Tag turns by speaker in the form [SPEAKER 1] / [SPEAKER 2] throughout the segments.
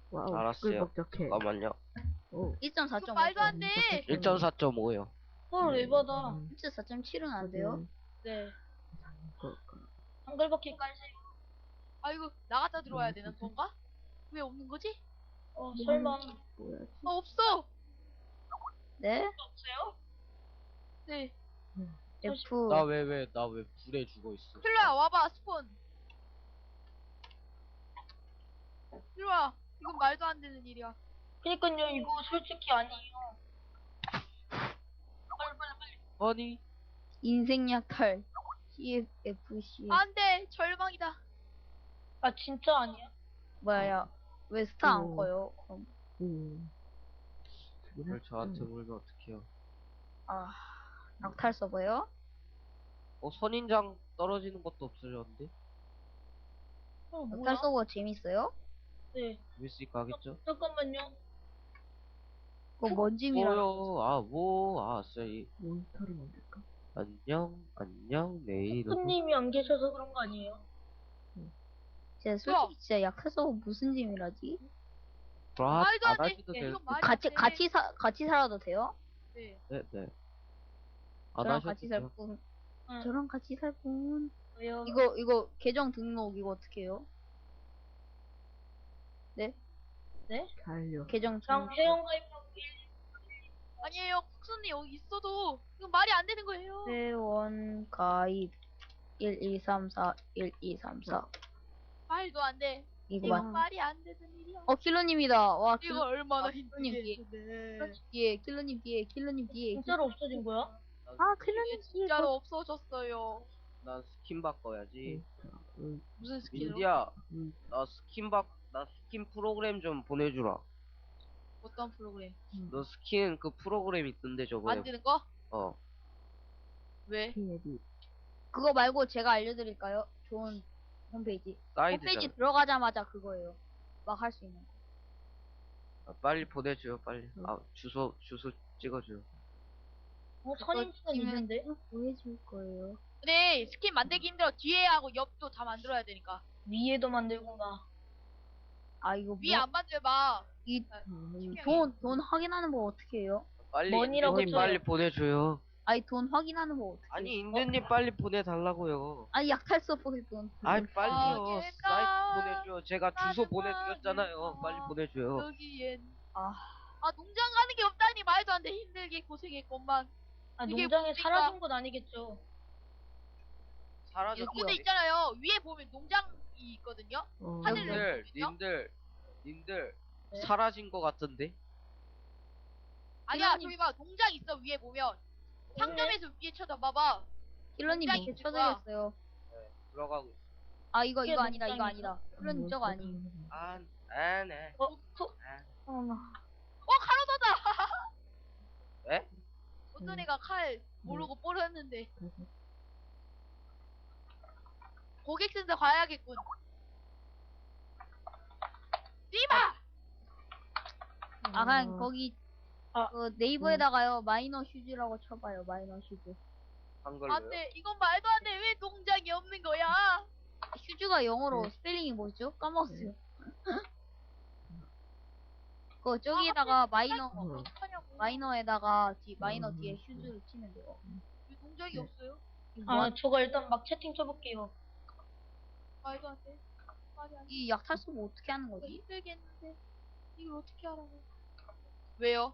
[SPEAKER 1] 와우,
[SPEAKER 2] 알았어요.
[SPEAKER 1] 시끌벅적해.
[SPEAKER 2] 잠깐만요.
[SPEAKER 1] 오,
[SPEAKER 3] 1.4.5.
[SPEAKER 4] 말도 안 돼.
[SPEAKER 2] 1.4.5요.
[SPEAKER 5] 헐, 에바다.
[SPEAKER 3] 1.4.7은 안 돼요?
[SPEAKER 5] 네.
[SPEAKER 1] 그,
[SPEAKER 5] 한글밖에 깔세요.
[SPEAKER 4] 아이고 나갔다 들어와야 되는 건가? 왜 없는 거지?
[SPEAKER 5] 설마.
[SPEAKER 1] 뭐야?
[SPEAKER 4] 없어.
[SPEAKER 3] 네?
[SPEAKER 5] 없어요?
[SPEAKER 4] 네.
[SPEAKER 3] F.
[SPEAKER 2] 나 왜 불에 죽어 있어?
[SPEAKER 4] 필로야 와봐 스폰. 필로야 이건 말도 안 되는 일이야.
[SPEAKER 5] 그니까요, 이거 솔직히 아니에요. 빨리.
[SPEAKER 2] 아니,
[SPEAKER 3] 인생 약탈. CFC.
[SPEAKER 4] 안돼 절망이다.
[SPEAKER 5] 아, 진짜 아니야?
[SPEAKER 3] 뭐야, 왜 스타 안
[SPEAKER 1] 오.
[SPEAKER 3] 꺼요? 그럼.
[SPEAKER 2] 왜 저한테 물면 어떡해요?
[SPEAKER 3] 아, 약탈 서버요?
[SPEAKER 2] 선인장 떨어지는 것도 없어졌는데?
[SPEAKER 5] 뭐야?
[SPEAKER 3] 약탈 서버 재밌어요?
[SPEAKER 5] 네.
[SPEAKER 2] 재밌으니까 하겠죠?
[SPEAKER 5] 잠깐만요.
[SPEAKER 3] 그거 뭔 짐이라.
[SPEAKER 2] 뭐요? 쎄.
[SPEAKER 1] 몬스터를 만들까?
[SPEAKER 2] 안녕, 내일은.
[SPEAKER 5] 손님이 안 계셔서 그런 거 아니에요?
[SPEAKER 3] 진짜 솔직히 진짜 약탈 서버 무슨 짐이라지?
[SPEAKER 4] 말도 안
[SPEAKER 2] 안
[SPEAKER 4] 돼.
[SPEAKER 2] 하셔도
[SPEAKER 4] 예,
[SPEAKER 2] 돼요.
[SPEAKER 4] 이건 말이 안 돼.
[SPEAKER 3] 같이 살아도 돼요?
[SPEAKER 4] 네.
[SPEAKER 2] 네. 안
[SPEAKER 3] 저랑
[SPEAKER 2] 하셔도
[SPEAKER 3] 같이 살
[SPEAKER 2] 돼요.
[SPEAKER 3] 분.
[SPEAKER 5] 응.
[SPEAKER 3] 저랑 같이 살 분.
[SPEAKER 5] 왜요?
[SPEAKER 3] 이거 계정 등록 이거 어떻게 해요? 네?
[SPEAKER 1] 잘려.
[SPEAKER 3] 계정
[SPEAKER 5] 장
[SPEAKER 3] 등록.
[SPEAKER 5] 회원가입하고
[SPEAKER 4] 아니에요 국수님 여기 있어도 이건 말이 안 되는 거예요.
[SPEAKER 3] 회원 가입 1234 1234.
[SPEAKER 4] 말도 안 돼.
[SPEAKER 3] 이거
[SPEAKER 4] 이건
[SPEAKER 3] 맞.
[SPEAKER 4] 말이 안 되는 일이야.
[SPEAKER 3] 킬러님이다. 와,
[SPEAKER 4] 이거 얼마나
[SPEAKER 3] 킬러님 뒤에.
[SPEAKER 4] 힘들게.
[SPEAKER 3] 킬러님 뒤에.
[SPEAKER 5] 진짜로 없어진 거야?
[SPEAKER 3] 아, 킬러님 뒤에.
[SPEAKER 4] 진짜로 없어졌어요.
[SPEAKER 2] 난 스킨 바꿔야지.
[SPEAKER 4] 무슨 스킬로?
[SPEAKER 2] 민디야, 나 스킨 프로그램 좀 보내주라.
[SPEAKER 4] 어떤 프로그램?
[SPEAKER 2] 너 스킨 그 프로그램 있던데 저번에.
[SPEAKER 4] 만드는 거?
[SPEAKER 3] 네.
[SPEAKER 4] 왜?
[SPEAKER 3] 그거 말고 제가 알려드릴까요? 좋은 홈페이지.
[SPEAKER 2] 사이드잖아.
[SPEAKER 3] 홈페이지 들어가자마자 그거예요. 막 할 수 있는 거.
[SPEAKER 2] 빨리 보내줘요, 빨리. 주소 찍어줘요.
[SPEAKER 5] 선임수는 있는데?
[SPEAKER 3] 보여줄 거예요.
[SPEAKER 4] 근데 스킨 만들기 힘들어. 뒤에 하고 옆도 다 만들어야 되니까.
[SPEAKER 5] 위에도 만들고 막.
[SPEAKER 3] 아, 이거
[SPEAKER 4] 위에 안 만들봐.
[SPEAKER 3] 돈 확인하는 거 어떻게 해요?
[SPEAKER 2] 빨리
[SPEAKER 5] 머니라고
[SPEAKER 2] 인드님
[SPEAKER 5] 쳐요.
[SPEAKER 2] 빨리 보내줘요.
[SPEAKER 3] 아니, 돈 확인하는 거 어떻게
[SPEAKER 2] 아니
[SPEAKER 3] 해요?
[SPEAKER 2] 인드님 빨리 보내달라고요.
[SPEAKER 3] 아니, 약탈 서버에 돈.
[SPEAKER 2] 아니 빨리요.
[SPEAKER 4] 얘가
[SPEAKER 2] 사이트 보내줘요. 제가 주소
[SPEAKER 4] 나는
[SPEAKER 2] 보내드렸잖아요.
[SPEAKER 4] 말이야.
[SPEAKER 2] 빨리 보내줘요.
[SPEAKER 4] 여기엔.
[SPEAKER 3] 아,
[SPEAKER 4] 농장 가는 게 없다니 말도 안 돼. 힘들게 고생했건만.
[SPEAKER 5] 아,
[SPEAKER 4] 이게
[SPEAKER 5] 농장에
[SPEAKER 4] 뭡니까?
[SPEAKER 5] 사라진 건 아니겠죠?
[SPEAKER 2] 사라졌어요.
[SPEAKER 4] 근데 있잖아요. 위에 보면 농장이 있거든요. 하늘을
[SPEAKER 2] 님들
[SPEAKER 5] 네?
[SPEAKER 2] 사라진 것 같은데?
[SPEAKER 4] 아니야,
[SPEAKER 3] 킬러님-
[SPEAKER 4] 저기 봐. 농장 있어, 위에 보면. 상점에서 위에 쳐다봐봐.
[SPEAKER 3] 킬러님
[SPEAKER 4] 농장이
[SPEAKER 3] 못
[SPEAKER 4] 있을
[SPEAKER 3] 쳐드렸어요.
[SPEAKER 2] 네, 들어가고 있어.
[SPEAKER 3] 아, 이거
[SPEAKER 5] 이게
[SPEAKER 3] 아니다. 이거
[SPEAKER 5] 농장이죠?
[SPEAKER 3] 아니다. 킬러님 저거 아니.
[SPEAKER 2] 네.
[SPEAKER 4] 카로사다!
[SPEAKER 2] 네?
[SPEAKER 4] 어떤 애가 칼 모르고 뽀렸는데. 고객센터 가야겠군. 뛰마!
[SPEAKER 3] 아, 그냥 거기
[SPEAKER 5] 아.
[SPEAKER 3] 그 네이버에다가요 마이너 슈즈라고 쳐봐요. 마이너 슈즈.
[SPEAKER 2] 한글로요?
[SPEAKER 4] 안 돼. 이건 말도 안 돼. 왜 농장이 없는 거야?
[SPEAKER 3] 슈즈가 영어로 스펠링이 뭐죠? 까먹었어요. 그 저기에다가 마이너
[SPEAKER 4] 어떡하냐고.
[SPEAKER 3] 마이너에다가 마이너 뒤에 슈즈를 치면 돼요.
[SPEAKER 4] 왜 농장이 없어요?
[SPEAKER 3] 이거 뭐
[SPEAKER 5] 저거 일단 막 채팅 쳐볼게요.
[SPEAKER 4] 말도 안 돼. 말이 안 돼.
[SPEAKER 3] 이 약탈 서버 어떻게 하는
[SPEAKER 4] 이거
[SPEAKER 3] 거지?
[SPEAKER 4] 힘들겠는데. 이걸 어떻게 하라고. 왜요?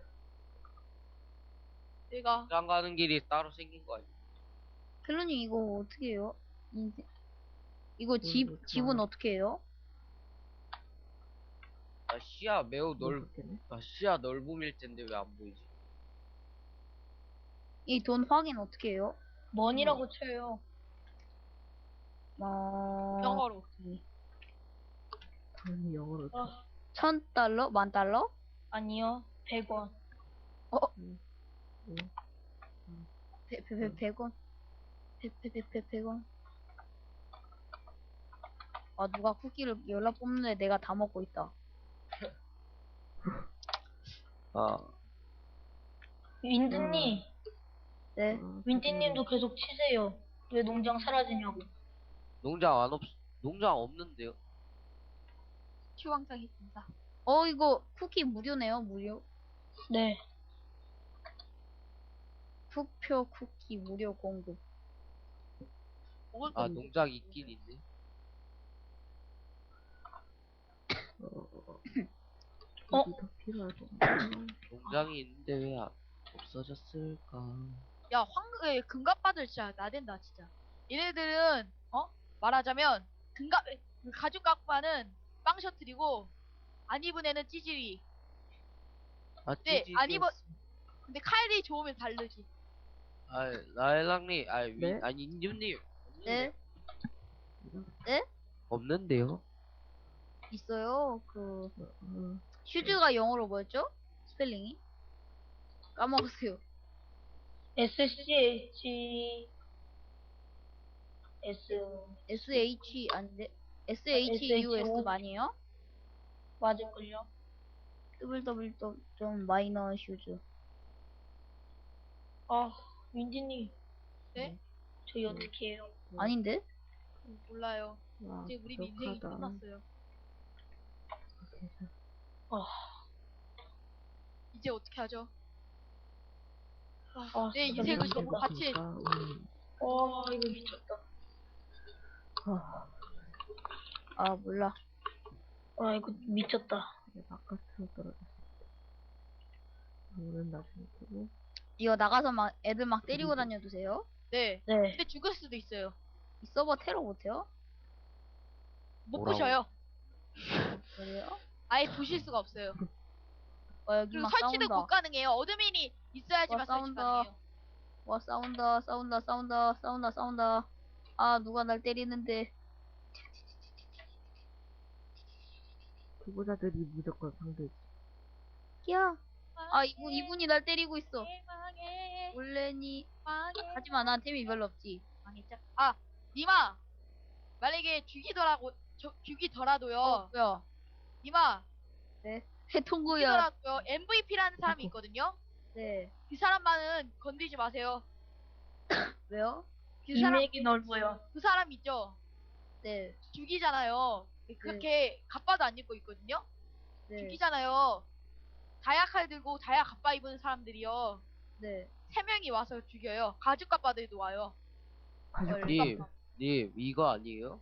[SPEAKER 4] 내가
[SPEAKER 2] 장 가는 길이 따로 생긴 거 아니야?
[SPEAKER 3] 킬러님 이거 어떻게 해요? 이거 집은 어떻게 해요?
[SPEAKER 2] 시야 매우 시야 넓음일 텐데 왜 안 보이지?
[SPEAKER 3] 이 돈 확인 어떻게 해요?
[SPEAKER 5] 머니라고 쳐요.
[SPEAKER 4] 영어로.
[SPEAKER 1] 돈이 영어로.
[SPEAKER 3] 1000달러? 10,000달러?
[SPEAKER 5] 아니요. 100원.
[SPEAKER 3] 100원? 100원? 아, 누가 쿠키를 연락 뽑는데 내가 다 먹고 있다.
[SPEAKER 5] 윈드님,
[SPEAKER 3] 네?
[SPEAKER 5] 윈디님도 계속 치세요. 왜 농장 사라지냐고.
[SPEAKER 2] 농장 없는데요?
[SPEAKER 4] 추왕장 행사.
[SPEAKER 3] 이거 쿠키 무료네요, 무료.
[SPEAKER 5] 네.
[SPEAKER 3] 투표 쿠키 무료 공급.
[SPEAKER 4] 먹을
[SPEAKER 2] 아
[SPEAKER 4] 거
[SPEAKER 2] 농장 있긴 있네.
[SPEAKER 5] 어?
[SPEAKER 1] 여기 더 필요할 것 같아.
[SPEAKER 2] 농장이 있는데 왜 없어졌을까?
[SPEAKER 4] 야, 금갑바들 진짜 나댄다, 진짜. 얘네들은, 말하자면, 그 가죽 갑바는 빵 셔틀이고, 안 입은 애는 찌질이.
[SPEAKER 2] 아
[SPEAKER 4] 네, 안 입어,
[SPEAKER 2] 찌질이었어.
[SPEAKER 4] 근데 칼이 좋으면 다르지.
[SPEAKER 2] 아 라일락님,
[SPEAKER 1] 네?
[SPEAKER 2] 아니 인규님
[SPEAKER 3] 네?
[SPEAKER 2] 없는데요?
[SPEAKER 3] 있어요.
[SPEAKER 1] 어,
[SPEAKER 3] 슈즈가 영어로 뭐였죠? 스펠링이? 까먹었어요.
[SPEAKER 5] SCH S
[SPEAKER 3] SH 아닌데? SHUS 아니에요?
[SPEAKER 5] 맞을걸요?
[SPEAKER 3] www. 마이너 슈즈.
[SPEAKER 5] 아, 윈디님.
[SPEAKER 4] 네?
[SPEAKER 5] 저희 어떻게 해요?
[SPEAKER 3] 아닌데?
[SPEAKER 4] 몰라요.
[SPEAKER 1] 와,
[SPEAKER 4] 이제 우리 인생이
[SPEAKER 1] 부족하다.
[SPEAKER 4] 끝났어요.
[SPEAKER 1] 계산.
[SPEAKER 4] 이제 어떻게 하죠?
[SPEAKER 5] 아,
[SPEAKER 4] 내
[SPEAKER 5] 진짜
[SPEAKER 4] 인생을
[SPEAKER 5] 미쳤다.
[SPEAKER 4] 너무 같이,
[SPEAKER 5] 이거 미쳤다.
[SPEAKER 3] 아, 몰라.
[SPEAKER 5] 이거 미쳤다.
[SPEAKER 1] 바깥으로 떨어졌어. 물은 나중에 두고.
[SPEAKER 3] 이거 나가서 막 애들 막 때리고 다녀주세요.
[SPEAKER 4] 네.
[SPEAKER 5] 네.
[SPEAKER 4] 근데 죽을 수도 있어요.
[SPEAKER 3] 이 서버 테러 못해요?
[SPEAKER 4] 못
[SPEAKER 2] 뭐라고?
[SPEAKER 4] 부셔요.
[SPEAKER 3] 그래요?
[SPEAKER 4] 아예 부실 수가 없어요.
[SPEAKER 3] 여기
[SPEAKER 4] 그리고
[SPEAKER 3] 막
[SPEAKER 4] 설치도
[SPEAKER 3] 싸운다.
[SPEAKER 4] 못 가능해요. 어드민이 있어야지만
[SPEAKER 3] 와,
[SPEAKER 4] 설치
[SPEAKER 3] 싸운다.
[SPEAKER 4] 가능해요.
[SPEAKER 3] 와, 싸운다. 아, 누가 날 때리는데.
[SPEAKER 1] 후보자들이 무조건 상대지.
[SPEAKER 3] 야. 이분이 날 때리고 있어.
[SPEAKER 4] 망해.
[SPEAKER 3] 원래니.
[SPEAKER 4] 망해.
[SPEAKER 3] 하지만 난 템이 별로 없지.
[SPEAKER 4] 망했죠. 아, 니마. 만약에 죽이더라도요.
[SPEAKER 3] 뭐야.
[SPEAKER 4] 니마.
[SPEAKER 3] 네. 해통구야.
[SPEAKER 4] 죽이더라도요. MVP라는 사람이 있거든요.
[SPEAKER 3] 네.
[SPEAKER 4] 그 사람만은 건드리지 마세요.
[SPEAKER 3] 왜요?
[SPEAKER 5] 인맥이 넓어요.
[SPEAKER 4] 그 사람 있죠.
[SPEAKER 3] 네.
[SPEAKER 4] 죽이잖아요. 그렇게 갑바도 안 입고 있거든요.
[SPEAKER 3] 네.
[SPEAKER 4] 죽이잖아요. 다이아칼 들고 다이아 갑바 입은 사람들이요.
[SPEAKER 3] 네.
[SPEAKER 4] 3명이 와서 죽여요. 가죽 갑바들도 와요.
[SPEAKER 2] 님 이거 아니에요?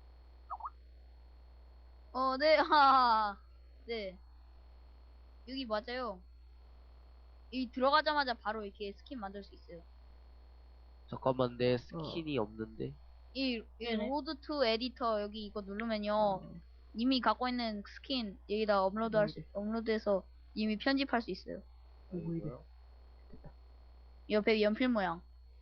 [SPEAKER 3] 네. 하하. 네. 여기 맞아요. 여기 들어가자마자 바로 이렇게 스킨 만들 수 있어요.
[SPEAKER 2] 잠깐만 내 스킨이 없는데.
[SPEAKER 3] 이
[SPEAKER 5] 네네.
[SPEAKER 3] 로드 투 에디터 여기 이거 누르면요. 이미 갖고 있는 스킨 여기다 업로드해서 이미 편집할 수 있어요.
[SPEAKER 1] 뭐 이래.
[SPEAKER 3] 옆에 연필 모양.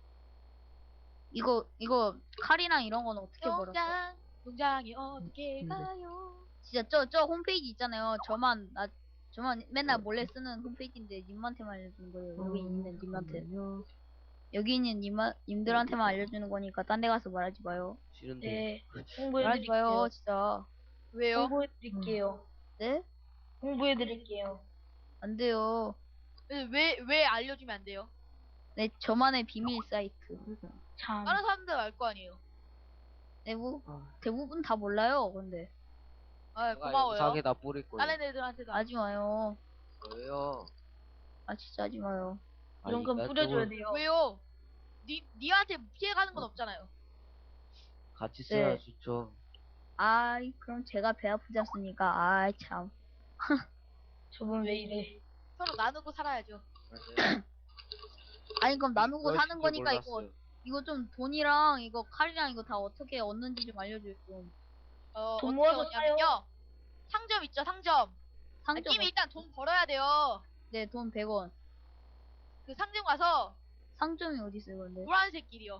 [SPEAKER 3] 이거 칼이랑 이런 거는 어떻게 벌었어?
[SPEAKER 4] 농장이 어떻게 가요?
[SPEAKER 3] 진짜 저 홈페이지 있잖아요. 저만 맨날 몰래 쓰는 홈페이지인데 님한테만 알려주는 거예요. 여기 있는 님한테. 여기 있는 님들한테만 알려주는 거니까 딴 데 가서 말하지 마요.
[SPEAKER 2] 싫은데.
[SPEAKER 5] 네.
[SPEAKER 3] 말하지
[SPEAKER 5] 홍보해드릴게요.
[SPEAKER 3] 마요, 진짜.
[SPEAKER 4] 왜요?
[SPEAKER 5] 홍보해드릴게요.
[SPEAKER 3] 네?
[SPEAKER 5] 홍보해드릴게요.
[SPEAKER 3] 안 돼요.
[SPEAKER 4] 왜 알려주면 안 돼요?
[SPEAKER 3] 네, 저만의 비밀 사이트.
[SPEAKER 5] 참.
[SPEAKER 4] 다른 사람들 알 거 아니에요.
[SPEAKER 3] 대부분 다 몰라요, 근데.
[SPEAKER 4] 아,
[SPEAKER 2] 내가
[SPEAKER 4] 고마워요.
[SPEAKER 2] 영상에다 뿌릴 거예요.
[SPEAKER 4] 다른 애들한테도
[SPEAKER 3] 하지 마요.
[SPEAKER 2] 왜요?
[SPEAKER 3] 진짜 하지 마요.
[SPEAKER 5] 이런 건
[SPEAKER 2] 나
[SPEAKER 5] 뿌려줘야
[SPEAKER 2] 저걸
[SPEAKER 5] 돼요.
[SPEAKER 4] 왜요? 니한테 피해가는 건 없잖아요.
[SPEAKER 2] 같이
[SPEAKER 3] 네.
[SPEAKER 2] 써야 좋죠.
[SPEAKER 3] 그럼 제가 배 아프지 않습니까? 참.
[SPEAKER 5] 저분 왜 이래?
[SPEAKER 4] 서로 나누고 살아야죠.
[SPEAKER 3] 그럼 나누고
[SPEAKER 2] 그러실
[SPEAKER 3] 사는
[SPEAKER 2] 줄
[SPEAKER 3] 거니까
[SPEAKER 2] 몰랐어요.
[SPEAKER 3] 이거 좀 돈이랑 이거 칼이랑 이거 다 어떻게 얻는지 좀 알려줘요, 좀.
[SPEAKER 4] 어떻게
[SPEAKER 5] 돈 모아서
[SPEAKER 4] 얻냐면요. 상점 있죠, 상점.
[SPEAKER 3] 상점,
[SPEAKER 4] 님이 일단 돈 벌어야 돼요.
[SPEAKER 3] 네, 돈 100원.
[SPEAKER 4] 그 상점 가서
[SPEAKER 3] 상점이 어디 있어요, 근데?
[SPEAKER 4] 노란색 길이요.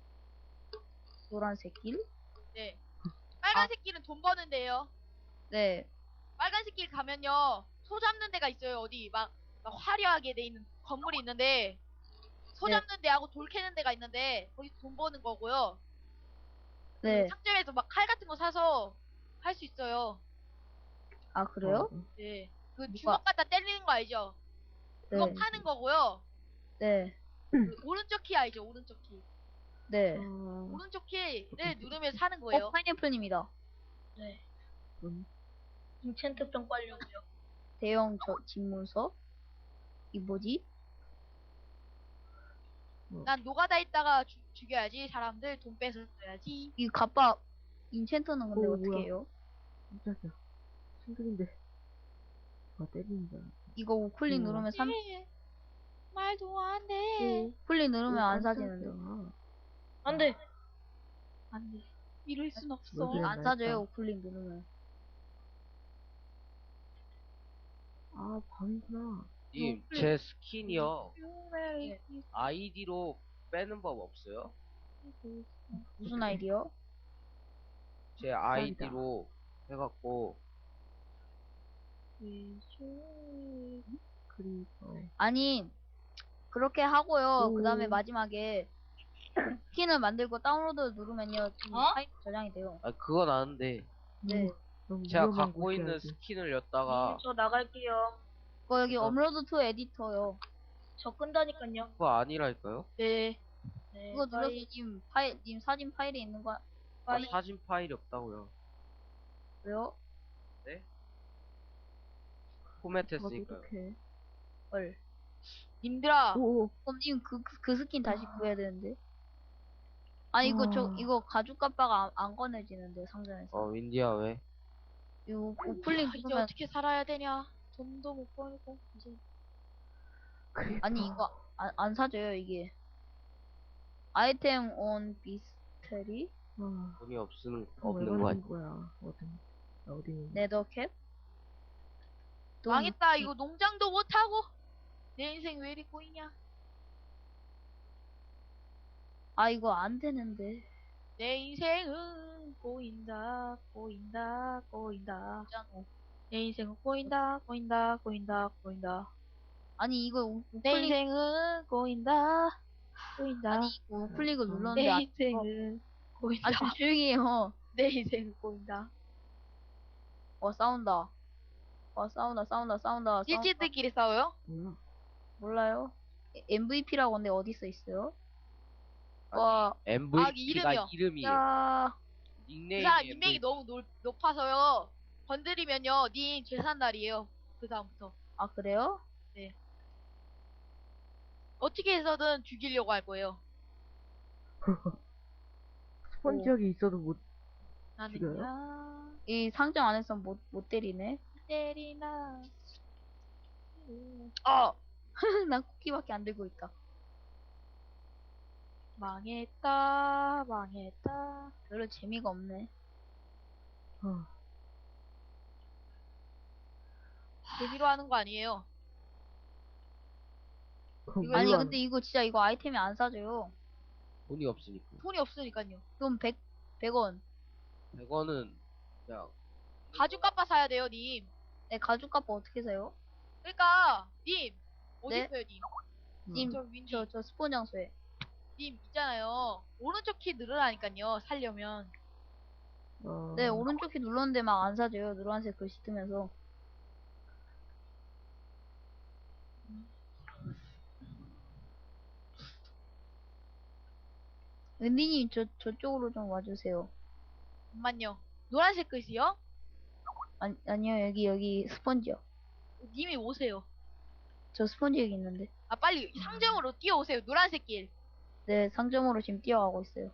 [SPEAKER 3] 노란색 길?
[SPEAKER 4] 네. 빨간색 길은 돈 버는 데예요.
[SPEAKER 3] 네.
[SPEAKER 4] 빨간색 길 가면요. 소 잡는 데가 있어요. 어디 막 화려하게 돼 있는 건물이 있는데 소
[SPEAKER 3] 네.
[SPEAKER 4] 잡는 데하고 돌 캐는 데가 있는데 거기서 돈 버는 거고요.
[SPEAKER 3] 네.
[SPEAKER 4] 상점에서 막 칼 같은 거 사서 할 수 있어요.
[SPEAKER 3] 그래요?
[SPEAKER 4] 네. 그
[SPEAKER 3] 누가-
[SPEAKER 4] 주먹 갖다 때리는 거 알죠? 그거
[SPEAKER 3] 네.
[SPEAKER 4] 파는 거고요.
[SPEAKER 3] 네.
[SPEAKER 4] 그 오른쪽 키 알죠? 오른쪽 키.
[SPEAKER 3] 네.
[SPEAKER 4] 오른쪽 키를 누르면 사는 거예요.
[SPEAKER 3] 파인애플님이다.
[SPEAKER 5] 네. 인챈트병 빨려고요.
[SPEAKER 3] 대형 집문서? 이 뭐지?
[SPEAKER 4] 난 노가다 있다가 죽여야지. 사람들 돈 뺏어 줘야지.
[SPEAKER 3] 이 갑바 인챈터는 근데
[SPEAKER 1] 오,
[SPEAKER 3] 어떻게
[SPEAKER 1] 뭐야.
[SPEAKER 3] 해요?
[SPEAKER 1] 깜짝이야. 친구인데. 누가 때리는 줄
[SPEAKER 3] 이거 우클릭
[SPEAKER 1] 우와.
[SPEAKER 3] 누르면
[SPEAKER 4] 예. 말도 안 돼.
[SPEAKER 3] 우클릭 누르면 안 사지는데.
[SPEAKER 5] 안 돼.
[SPEAKER 4] 안 돼. 이럴 순 없어.
[SPEAKER 1] 왜 그래?
[SPEAKER 3] 안 사져요 우클릭 누르면.
[SPEAKER 1] 아, 방이구나.
[SPEAKER 2] 님, 제 스킨이요.
[SPEAKER 4] 네.
[SPEAKER 2] 아이디로 빼는 법 없어요?
[SPEAKER 3] 무슨 아이디어?
[SPEAKER 2] 제 아이디로 해갖고
[SPEAKER 1] 그리고
[SPEAKER 3] 아니 그렇게 하고요.
[SPEAKER 1] 오.
[SPEAKER 3] 그 다음에 마지막에 스킨을 만들고 다운로드 누르면요
[SPEAKER 5] 어?
[SPEAKER 3] 파일 저장이 돼요.
[SPEAKER 2] 아 그건 아는데
[SPEAKER 3] 네.
[SPEAKER 1] 너무
[SPEAKER 2] 제가
[SPEAKER 1] 위험한
[SPEAKER 2] 갖고 있는
[SPEAKER 1] 곳이야지.
[SPEAKER 2] 스킨을 였다가
[SPEAKER 5] 저 나갈게요.
[SPEAKER 3] 그거 여기
[SPEAKER 2] 그거-
[SPEAKER 3] 업로드 투 에디터요.
[SPEAKER 5] 저 끈다니까요.
[SPEAKER 2] 그거 아니랄까요?
[SPEAKER 4] 네.
[SPEAKER 5] 네,
[SPEAKER 3] 그거 눌러서
[SPEAKER 5] 빠이,
[SPEAKER 3] 님 사진 파일에 있는 거
[SPEAKER 2] 아,
[SPEAKER 5] 빠이.
[SPEAKER 2] 사진 파일이 없다고요.
[SPEAKER 3] 왜요?
[SPEAKER 2] 포맷했으니까요.
[SPEAKER 1] 어떡해.
[SPEAKER 3] 헐.
[SPEAKER 4] 님들아.
[SPEAKER 1] 오,
[SPEAKER 3] 그럼 님 그 스킨 다시 구해야 되는데. 아 이거
[SPEAKER 1] 아.
[SPEAKER 3] 이거 가죽 값바가 안 꺼내지는데 상점에서.
[SPEAKER 2] 윈디야 왜?
[SPEAKER 3] 이거 우클릭
[SPEAKER 4] 이제
[SPEAKER 3] 누르면
[SPEAKER 4] 어떻게 살아야 되냐? 돈도 못 벌고 이제
[SPEAKER 1] 그래.
[SPEAKER 3] 아니 이거 안 사줘요 이게. 아이템 온 비스테리
[SPEAKER 1] 아,
[SPEAKER 2] 돈이
[SPEAKER 1] 왜
[SPEAKER 2] 없는
[SPEAKER 1] 그러는
[SPEAKER 2] 거 아니야?
[SPEAKER 1] 거야? 어디 있는
[SPEAKER 3] 네더캡.
[SPEAKER 4] 망했다. 이거 농장도 못 하고 내 인생 왜 이리 꼬이냐?
[SPEAKER 3] 아 이거 안 되는데.
[SPEAKER 4] 내 인생은 꼬인다, 꼬인다, 꼬인다.
[SPEAKER 3] 있잖아.
[SPEAKER 4] 내 인생은 꼬인다, 꼬인다, 꼬인다, 꼬인다.
[SPEAKER 3] 아니 이거
[SPEAKER 4] 내
[SPEAKER 3] 우클릭
[SPEAKER 4] 인생은 꼬인다, 꼬인다.
[SPEAKER 3] 아니 이거 우클릭을
[SPEAKER 4] 내
[SPEAKER 3] 눌렀는데
[SPEAKER 4] 인생은 꼬인다.
[SPEAKER 3] 좀 조용히 해요.
[SPEAKER 4] 내 인생은 꼬인다.
[SPEAKER 3] 싸운다. 싸운다.
[SPEAKER 4] 찌찌들끼리 싸워요?
[SPEAKER 1] 뭐야?
[SPEAKER 3] 몰라요? MVP라고 근데 어디서 있어요?
[SPEAKER 2] 아,
[SPEAKER 3] 와,
[SPEAKER 2] MVP가
[SPEAKER 4] 이름이요.
[SPEAKER 2] 이름이에요.
[SPEAKER 3] 야,
[SPEAKER 4] 그
[SPEAKER 2] 닉네임이
[SPEAKER 4] 사람 인맥이
[SPEAKER 2] MVP.
[SPEAKER 4] 너무 높아서요. 건드리면요, 님 재산날이에요. 그 다음부터.
[SPEAKER 3] 아 그래요?
[SPEAKER 4] 어떻게 해서든 죽이려고 할 거예요.
[SPEAKER 1] 스펀지역이 있어도 못 죽여요?
[SPEAKER 4] 나는야,
[SPEAKER 3] 이 상점 안에서 못 때리네.
[SPEAKER 4] 때리나.
[SPEAKER 3] 난 쿠키밖에 안 들고 있다.
[SPEAKER 4] 망했다, 망했다.
[SPEAKER 3] 별로 재미가 없네.
[SPEAKER 1] 아,
[SPEAKER 4] 재미로 하는 거 아니에요.
[SPEAKER 1] 그럼
[SPEAKER 4] 이거
[SPEAKER 3] 아니
[SPEAKER 1] 물론
[SPEAKER 3] 근데 이거 진짜 이거 아이템이 안 사줘요.
[SPEAKER 2] 돈이 없으니까.
[SPEAKER 4] 돈이 없으니까요.
[SPEAKER 3] 그럼 100원.
[SPEAKER 2] 100원은 그냥
[SPEAKER 4] 가죽 값바 사야 돼요, 님.
[SPEAKER 3] 네, 가죽 값 어떻게 사요?
[SPEAKER 4] 그러니까, 님. 어디
[SPEAKER 3] 네?
[SPEAKER 4] 있어요, 님?
[SPEAKER 3] 님,
[SPEAKER 4] 저 윈디.
[SPEAKER 3] 저 스폰 장소에.
[SPEAKER 4] 님 있잖아요. 오른쪽 키 누르라니까요. 살려면.
[SPEAKER 3] 네, 오른쪽 키 눌렀는데 막 안 사줘요. 노란색 글씨 뜨면서. 은디님, 저쪽으로 좀 와주세요.
[SPEAKER 4] 잠만요. 노란색 글씨요?
[SPEAKER 3] 아니요, 여기 스펀지요.
[SPEAKER 4] 님이 오세요.
[SPEAKER 3] 저 스펀지 여기 있는데.
[SPEAKER 4] 아, 빨리 상점으로 뛰어오세요. 노란색 길.
[SPEAKER 3] 네, 상점으로 지금 뛰어가고 있어요.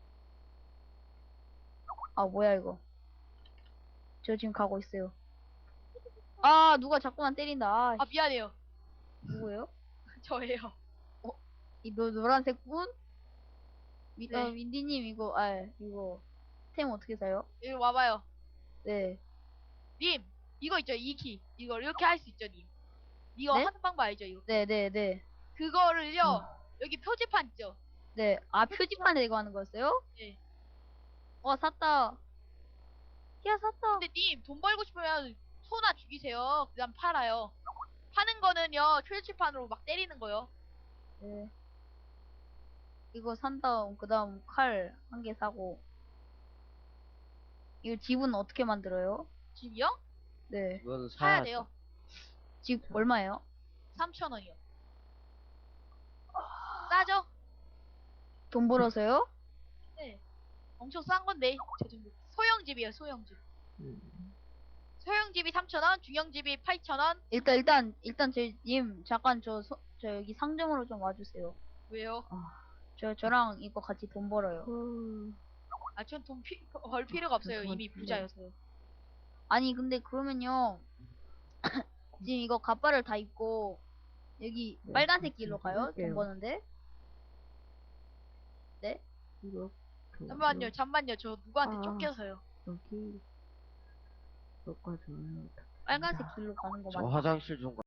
[SPEAKER 3] 아, 뭐야, 이거. 저 지금 가고 있어요. 아, 누가 자꾸만 때린다. 아,
[SPEAKER 4] 아, 미안해요.
[SPEAKER 3] 누구예요?
[SPEAKER 4] 저예요.
[SPEAKER 3] 이 노란색 분?
[SPEAKER 4] 네.
[SPEAKER 3] 윈디님, 이거 템 어떻게 사요?
[SPEAKER 4] 여기 와봐요.
[SPEAKER 3] 네.
[SPEAKER 4] 님, 이거 있죠? 이 키. 이거 이렇게 할 수 있죠, 님. 이거
[SPEAKER 3] 네?
[SPEAKER 4] 하는 방법 알죠? 이거.
[SPEAKER 3] 네.
[SPEAKER 4] 그거를요, 여기 표지판 있죠?
[SPEAKER 3] 네. 아, 표지판에 이거 하는 거였어요?
[SPEAKER 4] 네.
[SPEAKER 3] 와, 샀다. 야, 샀다.
[SPEAKER 4] 근데 님, 돈 벌고 싶으면 소나 죽이세요. 그 다음 팔아요. 파는 거는요, 표지판으로 막 때리는 거요.
[SPEAKER 3] 네. 이거 산 다음, 그 다음 칼 한 개 사고. 이거 집은 어떻게 만들어요?
[SPEAKER 4] 집이요?
[SPEAKER 3] 네.
[SPEAKER 2] 이거는
[SPEAKER 4] 사야
[SPEAKER 2] 사야
[SPEAKER 4] 돼요.
[SPEAKER 3] 집 얼마예요?
[SPEAKER 4] 3,000원이요. 싸죠?
[SPEAKER 3] 돈 벌어서요?
[SPEAKER 4] 네. 엄청 싼 건데, 저 정도. 소형집이에요, 소형집. 소형집이 3,000원, 중형집이 8,000원.
[SPEAKER 3] 일단 님 잠깐 저 여기 상점으로 좀 와주세요.
[SPEAKER 4] 왜요?
[SPEAKER 3] 저랑 이거 같이 돈 벌어요.
[SPEAKER 4] 아, 전 돈 벌 필요가 없어요. 이미
[SPEAKER 1] 죄송합니다.
[SPEAKER 4] 부자여서요.
[SPEAKER 3] 아니 근데 그러면요 지금 이거 갑바를 다 입고 여기
[SPEAKER 1] 네,
[SPEAKER 3] 빨간색 길로 가요?
[SPEAKER 1] 할게요.
[SPEAKER 3] 돈 버는데?
[SPEAKER 1] 이거
[SPEAKER 4] 잠만요. 저 누구한테
[SPEAKER 1] 아.
[SPEAKER 4] 쫓겨서요.
[SPEAKER 1] 여기 여기가 좋아요.
[SPEAKER 3] 빨간색 길로 가는 거
[SPEAKER 2] 저
[SPEAKER 3] 맞죠?
[SPEAKER 2] 화장실 좀